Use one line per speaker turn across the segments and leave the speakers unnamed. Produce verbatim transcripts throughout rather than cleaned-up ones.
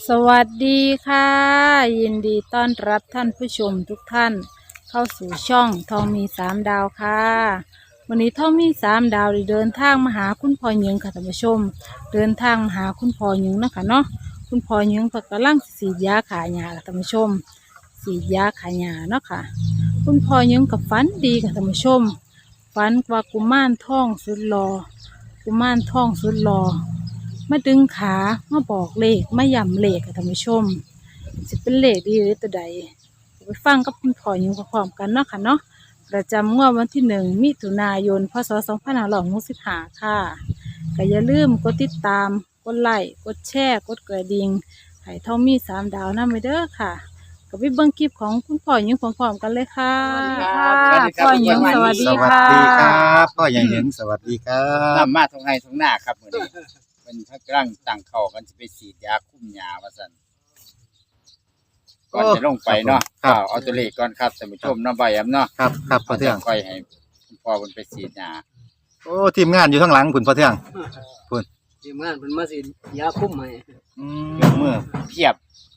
สวัสดีค่ะยินดีต้อนรับท่านผู้ชมทุกท่านเข้าสู่ช่องทองมีสามดาวค่ะวันนี้ทองมีสามดาวได้เดินทางมาหาคุณพ่อหญิงค่ะท่านผู้ชมเดินทางมาหาคุณพ่อหญิงนะคะเนาะคุณพ่อหญิงเพิ่นกำลังสีดยาขายยาค่ะท่านผู้ชมสีดยาขายยาเนาะค่ะคุณพ่อหญิงกับฝันดีค่ะท่านผู้ชมฝันว่ากุมารทองสุดหล่อกุมารทองสุดหล่อมาดึงขามาบอกเลขมาย้ำเลขค่ะท่านผู้ชมจะเป็นเลขดีหรือตัวใดไปฟังกับคุณพ่อหญิงพร้อมๆกันเนาะค่ะเนาะประจำงวดวันที่หนึ่งมิถุนายนพศสองพันห้าร้อยหกสิบห้าค่ะก็อย่าลืมกดติดตามกดไลค์กดแชร์กดกระดิ่งให้ทองมีสามดาวนำไปเด้อค่ะก็ไปเบิ่งคลิปของคุณพ่อหญิงพร้อมๆกันเลยค่ะ
สวัสดีครับ
พ่อหญิงสวัสดี
สวัส
ค่ะ
ดีครับพ่อใหญ่เหยิงสวัสดีครั
นำ
บ
มาทงไห้ทงหน้าครับมื้อนี้เป็นพักร่างตั้งเข้ากันสิไปฉีดยาคุมหญ้าว่าซั่นก่อนจะลงไปเนาะ
ครับ
เอาเอาตัวเลขก่อนครับท่านผู้ชมเนาะบ่อยำเนาะ
ครับครับพ่อเทือง
ค่อยให้คุณพ่อเพิ่นไปฉีดหญ้า
โอ้ทีมงานอยู่ข้างหลังคุณพ่อเทือง
ทีมงานเพิ่นมาสิยาคุ้มให้
อืม
ยกมือเพียบ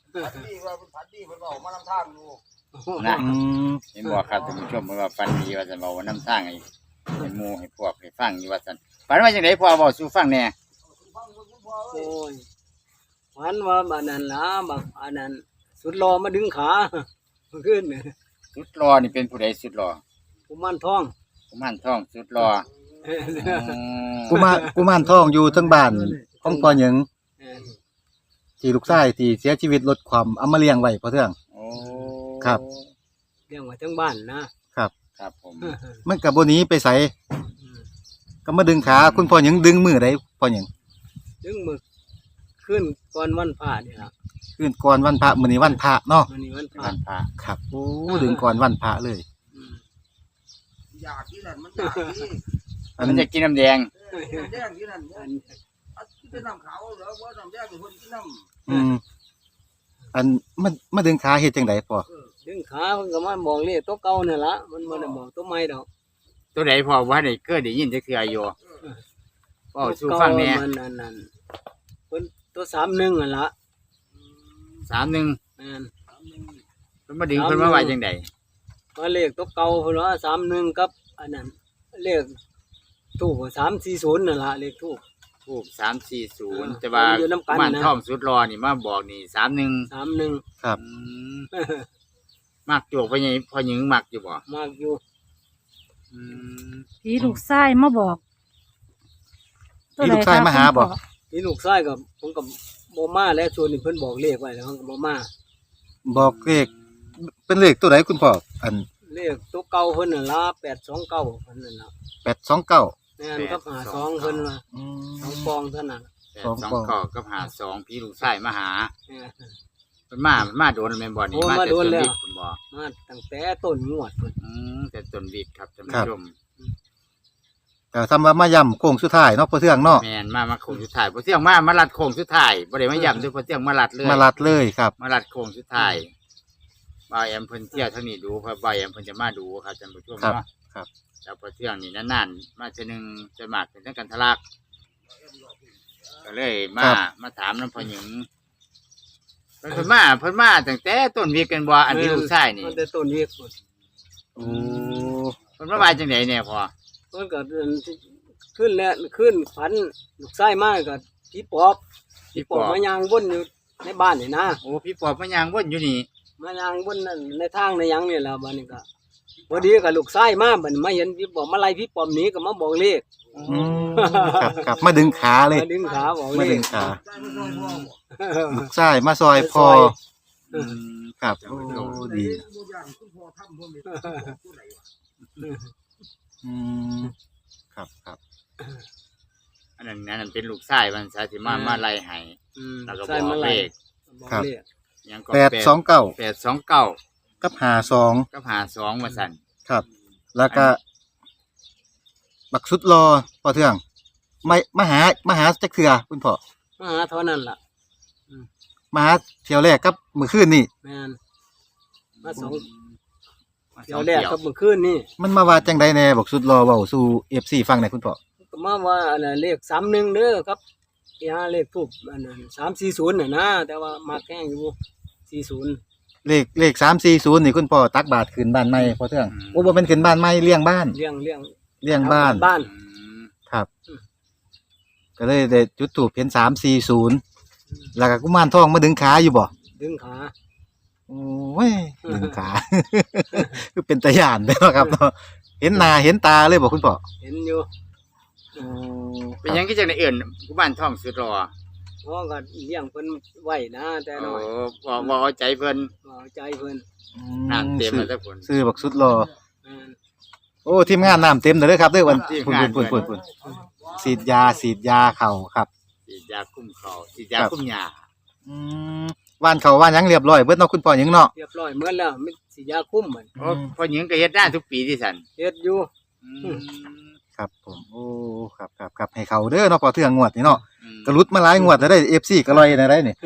นะ
อืม
เห็นบ่ครับท่านผู้ชมเพิ่นว่าฝันดีว่าซั่นเว้าว่านำทางให้ให้หมู่ให้พวกให้ฟังอยู่ว่าซั่นฝันว่าจังได๋พ่อเว้าสู่ฟังแหน่
โอ้ยฝันว่าบัดนั้นล่ะบักอันนั้นสุดรอมาดึงขาขึ้นเนี่ย
สุดรอนี่เป็นผู้ใดสุดรอ
กุมารทอง
กุมารทองสุดรออืม
กุมารกุมารทองอยู่ทั้งบ้านของพ่อเหยิง
เออ
ที่ลูกชายที่เสียชีวิตลดความเอามาเลี้ยงไว้พ่อเทือง
โอ้
ครับ
เลี้ยงไว้ทั้งบ้านนะครับ
ครับผม
มันกับบ่หนีไปไสก็มาดึงขาคุณพ่อเหยิงดึงมือได้พ่อเหยิง
ดึงมือขึ้นก่อนวันพระนี่ล่ะ
ขึ้นก่อนวันพระมื้อนี้วันพระเนาะ
มื้อนี้วันพระ
วันพระ
ครับโอ้ดึงก่อนวันพระเลย
อืม
อยากที่นั่นมันอยากที่
อัน
มันจะกินน้ำแดง
น้ำแดงที่นั่น
อัน
อันที่เป็นน้ำขาวเหรอว่าน้ำแดงเป็นคนที่น้
อืมอันมามาดึงขาเฮ็ดจังไดพ่อ
ดึงขาเพิ่นก็มาบอกเลขตัวเก่านี่ล่ะมันบ่ได้บอกตัวใหม่ดอก
ตัวไหนพอว่าได้เกิดได้ยินจะคืออายุก็สู้ฟังแหน่
ตัวเก่ามันอันนั้นเพิ่นตัวสามหนึ่งนั่นล่ะ
สามหนึ่ง
แม่น
เพิ่นมาดึงเพิ่นมาว่าจังได
ก็เลขตัวเก่าเพิ่นว่าสามหนึ่งกับอันนั้นเลขทูบสามสี่ศูนย์นั่นล่ะเลขทูบ
ทูบสามสี่ศูนย์
อ่า
แต่ว่า
อยู่นำกัน
มัน
นะ
ท่องสุดรอนี่มาบอกนี่สามหนึ่ง
สามหนึ่ง
ครับ
มักจวกไปยังพอหญิงมักอยู่บ่
มากอยู่
อืม
ผีลูกไส้มาบอก
ผีลูกไส้มาหาบอก
นี่ลูกชายกับผมกับโมมาแล้วชวนนี่เพิ่นบอกเลขไว้แล้วผมกับโมมา
บอกเลขเป็นเลขตัวไหนคุณพ่ออัน
เลขตัวเก่าเพิ่นนั่นล่ะแปดสองเก้าเพิ่นนั่นล่ะ
แปดสองเก้า
แม่นกับหาสองเพิ่นว่าสองฟองเท่านั้น
แปด
สอง
สอง
กล่อง
ข้อกับหาสองพี่ลูกชายมาหา
เออ
เพิ่นมามาโดนแม่นบ่นี่
โอ้
มา
มา
แต่
โด
ต้
น
น
แล้ว
วิกคุณบ่
มาตั้งแต่ต้นงวดเพิ่น
อืมแต่ต้นวิกครับท่าน
ครั
ผู้
บ
ชม
แต่ทำมามาย่ำโค้งสุดท้ายเนาะพ่อเทืองเนาะ
แม่นมามาโค้งสุดท้ายพอเที่ยงมามาลัดโค้งสุดท้ายบ่ได้มาย่ำด้วยพอเที่ยงมาลัดเลย
มาลัดเลยครับ
มาลัดโค้งสุดท้ายบ่าวแอมเพิ่นเที่ยวเท่านี้ดูเพราะบ่าวแอมเพิ่นจะมาดูครับท่านผู้ชม
ครับ
เนาะ
ครับ
แล้วพอเที่ยงนี่นานๆมาเทื่อนึงจะมากเป็นทั้งกันทะลักก็เลยมามาถามน้ำพ่อหญิงเพิ่นเพิ่นมาเพิ่นมาตั้งแต่ต้นวีกันบ่อันที่ลูกชายนี่
มันแต่ต้นวีกเพิ่น
โอ้
เพิ่นมาว่าจังได๋เนี่ยพ่อ
เพิ่นก็ขึ้นแล้วขึ้นฝันลูกชายมาก็ผีปอบผีปอบมายางวนอยู่ในบ้านนี่นะ
โอ้พี่ปอบมายางวนอยู่นี่
มายางบนนั่นในทางในหยังนี่แหละบัดนี้ก็พอดีกับลูกชายมาบัดนี้มาเห็นพี่บอกมาไล่พี่ปอมหนี้ก็มาบอกเลข
อืมครับครับมาดึงขาเลย
มาดึงขาบอก
มา
เล
ดึ
ข
งขา
ำได้ไม่ต้องพ่อบอก
ลูกชายมาซอยพอ
อืม
ครับโอ้ดี
ตัวอย่างคุณพ่อทำพ่อเม็ดตัวไหนวะ
อืมครับครับ
อันนั้นอันนั้นเป็นลูกชายมันซะสิมามาไล่ให้
อืม
แล้วก็
ใช่
บอ
มาก ไล่
เลข
บอกเลข
หยังก็
แปดสองเก้า
แปดสองเก้า
กับหาสอง
กับหาสองว่าซั่น
ครับ แล้วก็บักสุดรอพ่อเทืองไม่มาหามาหาจักเถื่อคุณพ่อ
มาหาเท่านั้นล่ะ
มาหาเที่ยวแรกกับมื้อคืนนี่
แม่นมาสอง
มา
เที่
ส
ย
อ
ว
ง
แรก
เที่ยว
กับเมื่อคืนนี่
มันมาว่าจังไดแน่บักสุดรอเว้าสู่ เอฟ ซี ฟังหน่อยคุณพ่อ
ก็มาว่าอันน่ะเลขสามหนึ่งเด้อครับยาเลขทูบอันนั้นสามสี่ศูนย์น่ะนะแต่ว่ามาแข้งอยู่สี่ศูนย์
เลขเลขสามสี่ศูนย์นี่คุณพ่อตักบาทขึ้นบ้านใหม่พอเทื่องโอ้บ่เป็นขึ้นบ้านใหม่เลี้ยงบ้าน
เลี้ยงเลี้ยง
เลี้ยงบ้าน
บ้าน
อืม
ครับ ก็เลยได้จุดถูกเห็นสามสี่ศูนย์แล้วก็กุมารทองมาดึงขาอยู่บ่
ดึงขา
โอ้ยดึงขา คือเป็นตาย่านเด้อครับเนาะเห็นหน้าเห็นตาเลยบ่คุณพ่อ
เห็นอยู่
โอ้
เป็นหยังก็จังได้เอื่นกุมารทองสุดรอ
เพราะก็เลี้ยงเพิ่นไว้นะแต่
โอ้
น้อย
บ่บ่เอาใจเพิ่น
บ่เอาใจเพิ่น
น้ำเต็มแล้วทุกคน
ซื้อบักสุดรอ
อ่า
โอ้ทีมงานน้ำเต็มเลยครับเด้อวัน
ทีม
พุ่น
งาน
พุ่นพุ่นพุ่นฉีดยาฉีดยาเข่าครับ
ฉีดยาคุ้มเขาฉีดยา
ครับ
คุ้มหญ้า
อืมว่านเขาว่านหยังเรียบร้อยเบิดเนาะคุณพ่อหยังเนาะ
เรียบร้อยเหมือนแล้วมีสิยาคุ้มเหมือน
โอ้พ่อหญิงก็เฮ็ดได้ทุกปีที่สัน
เฮ็ดอยู่
อืม
ครับผมโอ้ครับครับครับให้เขาเด้อเนาะพอเทื่องงวดนี่เนาะ
อืม
กระลุดมาหลายงวดแล้วได้ เอฟ ซี ก็ลอยในได้นี่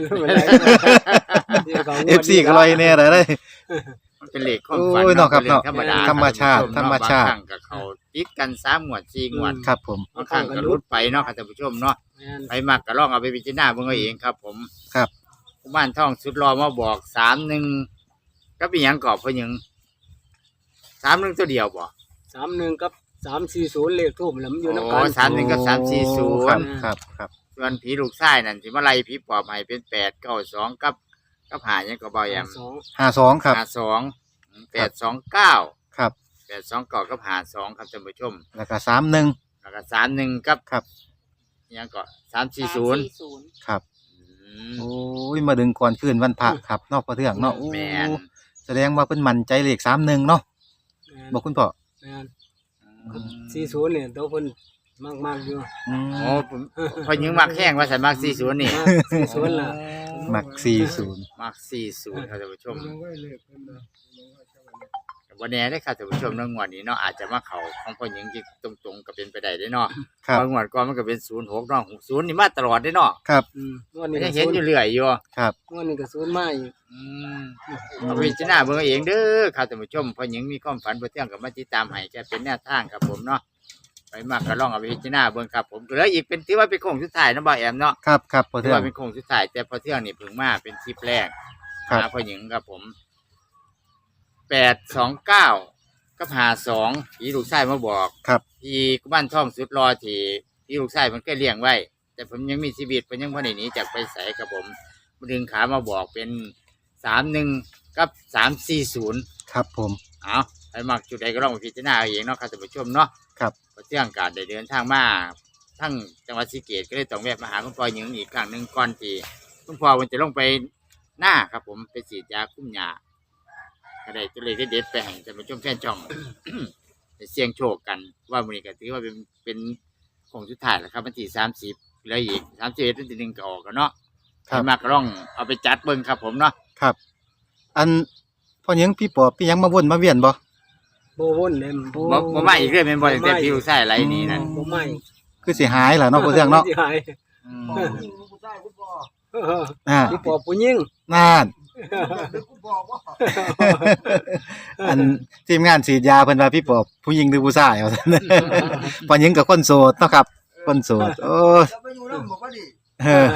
เอฟ ซี ก็ลอยแน่ได้ได้
มันเป็นเลขความฝัน
โอ้ยเนาะครับเนาะ
ธรรมดา
ธรรมชาติธรรมชาติ
บางครั้งก็เขาติดกันสามงวดสี่งวด
ครับผม
บางครั้งก็หลุดไปเนาะค่ะท่านผู้ชมเนาะ
แม่น
ไปมักก็ลองเอาไปพิจารณาเบิ่งเอาเองครับ ผม
ครับ
กุมารทองสุดรอมาบอกสามหนึ่งก็เป็นหยังกอบพ่อหญิงสามหนึ่งตัวเดียวบ่
สามหนึ่งกับสามสี่ศูนย์เลขทูบแล้วมันอยู่นำ
โอ้
กัน
สามหนึ่งกับสามสี่ศู
ครับ
นย์
ครับครับ
ส่วนผีลูกชายนั่นที่มาไล่ผีปอบให้เป็นแปดเก้าสองกับกับหายังก็เบาแยม
สอง
ห้าสองครับ
หาสองแปดสองเก้า
ครับ
แปดสองเก้ากับหาสองครับท่านผู้ชม
แล้วก็สามหนึ่ง
แล้วก็สามหนึ่งกับ
ครับ
ยังก็สามสี่ศูนย์
ครับโอ้ยมาดึงก่อนคืนวันพระครับเนอกพอเทื่องเนาะโอ้
แมน
แสดงว่าเพิ่นมั่นใจเลขสามหนึ่งเนาะ
แม่น
บอกคุณพ่อ
แม่นสี่ศูนย์เนี่ยตัวเพิ่นมากๆอยู่
อืม
โอ้ผมพอยิงมักแห้งว่าสันมักสี่ศูนย์นี่
มากสี่ศูนย์ล่ะ
มักสี่ศูนย์
มักสี่ศูนย์ครับท่านผู้ชมวันนี้ได้อครับท่านผู้ชมเรื่องงวดนี้เนาะอาจจะมาเขาของพอยิงที่ตรงๆก็เป็นไปได้เด้อเนาะ
ครับ
บางงวดก่อนมันก็เป็นศูนย์หกเนาะศูนย์นี่มาตลอดเด้อเนาะ
ครับ
อืมงวด
ไม่
นี้
ได้
ก็
เห็น
ศูน
อยู่
ย์
เรื่อยอยู่
ครับ
งวดนี้ก็ศูนย์มาอีก
อืมเอาไปพิจารณาเบิ่งเอาเองเด้อครับท่านผู้ชมพอยิงมีความฝันบ่เที่ยงกับมาติดตามให้แค่เป็นแนวทางครับผมเนาะไปมากก็ลองเอาไปพิจารณาเบิ่งครับผมเหลืออีกเป็นถือว่าเป็นโค้งสุดท้ายเนาะบ่าวแอมเนาะ
ครับครับพอ
ถื
เทื่
อ
อง
ว่าเป็นโค้งสุดท้ายแต่พอเที่ยงนี่เพิ่งมาเป็นคลิปแรก
ครับ
หาพ่อหญิงครับผมแปดสองเก้ากับหาสองผีลูกชายมาบอก
ครับ
ที่กุมารทองสุดรอที่ผีลูกชายมันก็เลี้ยงไว้ แต่ผมยังมีชีวิตผมยังพ่ได้หนีจากไปใส่ครับผมมันดึงขามาบอกเป็นสามหนึ่งกับสามสี่ศูนย์
ครับผม
เอาไปมักจุดใดก็ลองไปพิจารณาเอาเองเนาะครับท่านผู้ชมเนาะ
ครับ
พอเที่ยงการได้เดินทางมาทั้งจังหวัดศรีเกษก็เลยต้องแวะมาหาคุณพ่อหญิงอีกครั้งหนึ่งก่อนที่คุณพ่อมันจะลงไปหน้าครับผมไปฉีดยาคุ้มยาก็ได้ตัวเลขเด็ดๆไปให้ท่านผู้ชมแฟนช่อง ไปเสี่ยงโชคกันว่ามื้อนี้ก็ถือว่าเป็นเป็นของสุดท้ายแล้วครับวันที่สามสิบแล้วอีกสามสิบเอ็ดวันที่หนึ่งก็ออกกันเนาะ
ครับ
ให้มากก็ลองเอาไปจัดเบิ่งครับผมเนาะ
ครับ อันพ่อหยังพี่ปอบพี่หยังมาวนมาเวียนบ่
โบวนเลย
โอ้
บ่บ่มาอีกเรื่อยเป็นบ่ตั้งแต่พี่ลูกชายไรนี้นั่น
บ่ไม่
คือสิหายล่ะเนาะพอเทื่องเนาะ
สิหาย
อืม
พ่อผู้หญิงผู้ชายคุณพ่อ
อ่า
ที่ปอบผู้หญิง
นั่น
หรือคุณพ่อว่า
อันทีมงานฉีดยาเพิ่นว่าพี่ปอบผู้หญิงหรือผู้ชายว่าซั่น พ่อหญิงกับคนโสดเนาะครับคนโสดโอ้ย
จะไปอยู่น้ำบอกว่าดิ
เออ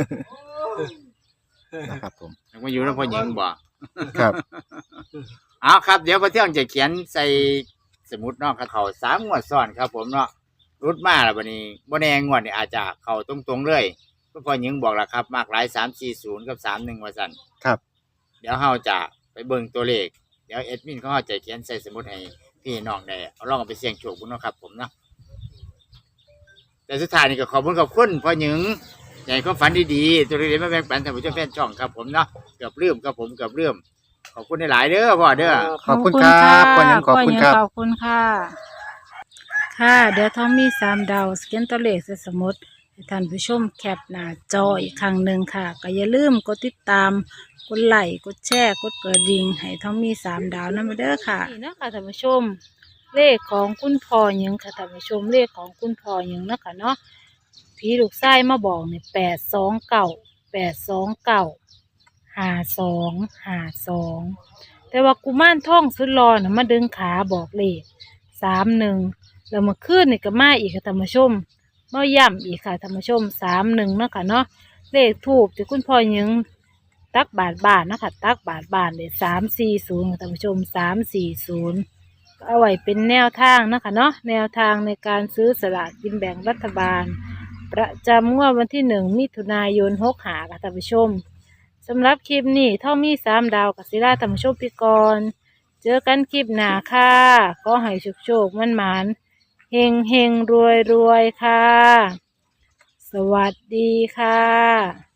นะครับผม
ยังมาอยู่แล้วพ่อหญิงบ่
ครับ
เอาครับเดี๋ยวพอเที่ยงจะเขียนใส่สมุดเนาะกับเขาสามงวดซ้อนครับผมเนาะรุดมาแล้วบัดนี้บ่แน่งวดนี่อาจจะเข้าตรงๆเลยก็พ่อหญิงบอกแล้วครับ มากหลายสามสี่ศูนย์กับสามหนึ่งว่าซั่น
ครับ
เดี๋ยวเฮาจะไปเบิ่งตัวเลขเดี๋ยวแอดมินเขาเฮาจะเขียนใส่สมุดให้พี่น้องได้เอาลองเอาไปเสี่ยงโชคพุ่นเนาะครับผมเนาะแต่สุดท้ายนี่ก็ขอบคุณขอบคุณพ่อหญิงใหญ่ความฝันดีๆตัวเล็กๆมาแบ่งปันท่านผู้ชมแฟนช่องครับผมเนาะเกือบลืมครับผมเกือบลืมขอบคุณหลายๆเด้อพ่อเด้อ
ขอบคุณครับพ่อหยังขอบคุณครับ
ขอบคุณค่ะ ค่ะ เดี๋ยวทอมมี่สามดาวสแกนตัวเลขใส่สมุดให้ท่านผู้ชมแคปหน้าจออีกครั้งหนึ่งค่ะ ก็อย่าลืมกดติดตาม กดไลค์กดแชร์ กดกระดิ่งให้ทอมมี่สามดาวนั่นมาเด้อค่ะนี่นะคะท่านผู้ชม เลขของคุณพ่อหยังค่ะท่านผู้ชมเลขของคุณพ่อหยังเนาะคะเนาะผีลูกไส้มาบอกเนี่ยแปดสองเก้าแปดสองเก้าห้าสองห้าสองแต่ว่ากุมารทองสุดหล่อน่ะมาดึงขาบอกเลขสามหนึ่งแล้วเมื่อคืนนี่ก็มาอีกค่ะท่านผู้ชมมาย่ำอีกค่ะท่านผู้ชมสามหนึ่งเนาะค่ะเนาะเลขทูบที่คุณพ่อหยิงตักบาทบาทเนาะคะตักบาทบาทเลยสามสี่ศูนย์ค่ะท่านผู้ชมสามสี่ศูนย์เอาไว้เป็นแนวทางเนาะคะเนาะแนวทางในการซื้อสลากกินแบ่งรัฐบาลประจำงวดวันที่หนึ่งมิถุนายนหกหาค่ะท่านผู้ชมสำหรับคลิปนี้ท่อมีสามดาวกับศิลาท่านผู้ชมพี่กรเจอกันคลิปหน้าค่ะก็ให้โชคโชคมันหมานเฮงเฮงรวยรวยค่ะสวัสดีค่ะ